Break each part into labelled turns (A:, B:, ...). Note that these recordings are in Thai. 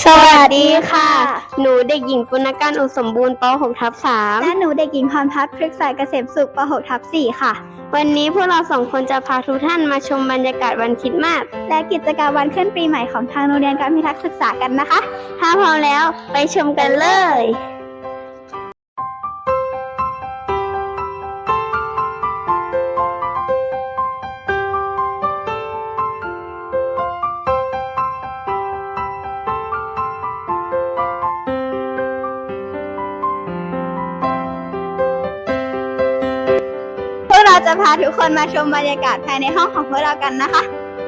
A: สวัสดีค่ะ หนูเด็กหญิงปุณกันอุสมบูรณ์ป .6/3
B: และหนูเด็กหญิงพรพัฒน์พฤกษาเกษมสุขป .6/4 ค่ะ
A: วันนี้พวกเรา2 คนจะพาทุกท่านมาชมบรรยากาศวันคริสต์มาส
B: และกิจกรรมวันขึ้นปีใหม่ของทางโรงเรียนการพิทักษ์ศึกษากันนะคะ
A: ถ้าพร้อมแล้วไปชมกันเลย
B: พวกเราจะพาทุกคนมาชมบรรยากาศภายในห้องของพวกเรากันนะคะ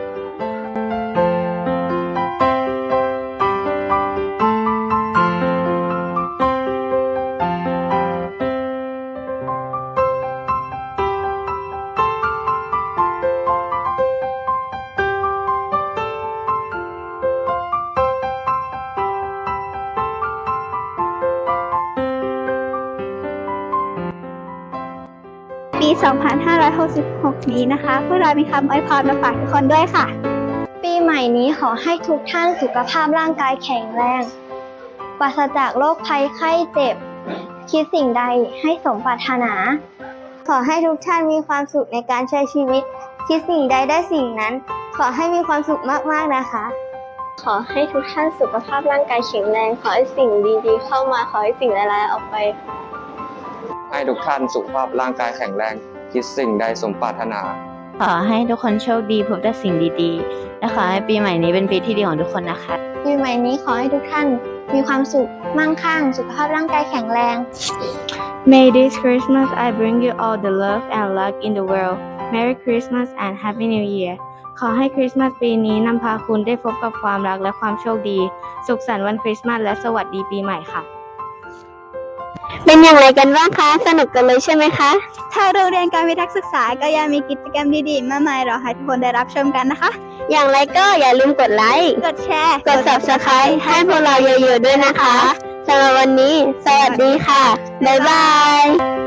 B: ปี 2566 นี้นะคะ พวกเรามีคำอวยพรมาฝากทุกคนด้วยค่ะ
C: ปีใหม่นี้ขอให้ทุกท่านสุขภาพร่างกายแข็งแรงปราศจากโรคภัยไข้เจ็บ คิดสิ่งใดให้สมปรารถนา ขอให้ทุกท่านมีความสุขในการใช้ชีวิต คิดสิ่งใดได้สิ่งนั้น ขอให้มีความสุขมากๆนะคะ
D: ขอให้ทุกท่านสุขภาพร่างกายแข็งแรง ขอให้สิ่งดีๆเข้ามา ขอให้สิ่งร้ายๆออกไป
E: ให้ทุกท่านสุขภาพร่างกายแข็งแรง คิดสิ่งใดสมปรารถนา
F: ขอให้ทุกคนโชคดีพบแต่สิ่งดีๆ และขอให้ปีใหม่นี้เป็นปีที่ดีของทุกคนนะคะ
C: ปีใหม่นี้ขอให้ทุกท่านมีความสุขมั่งคั่งสุขภาพร่างกายแข็งแรง
A: May this Christmas I bring you all the love and luck in the world Merry Christmas and Happy New Year ขอให้คริสต์มาสปีนี้นำพาคุณได้พบกับความรักและความโชคดี สุขสันต์วันคริสต์มาสและสวัสดีปีใหม่ค่ะเป็นอย่างไรกันบ้างคะ สนุกกันเลยใช่ไหมคะ
B: ทางโรงเรียนการพิทักษ์ศึกษาก็ยังมีกิจกรรมดีๆมากมายรอให้ทุกคนได้รับชมกันนะคะ
A: อย่างไรก็อย่าลืมกดไลค์
B: กดแชร์
A: กด Subscribe ให้พวกเราเยอะๆด้วยนะคะสำหรับวันนี้ สวัสดีค่ะ บ๊ายบาย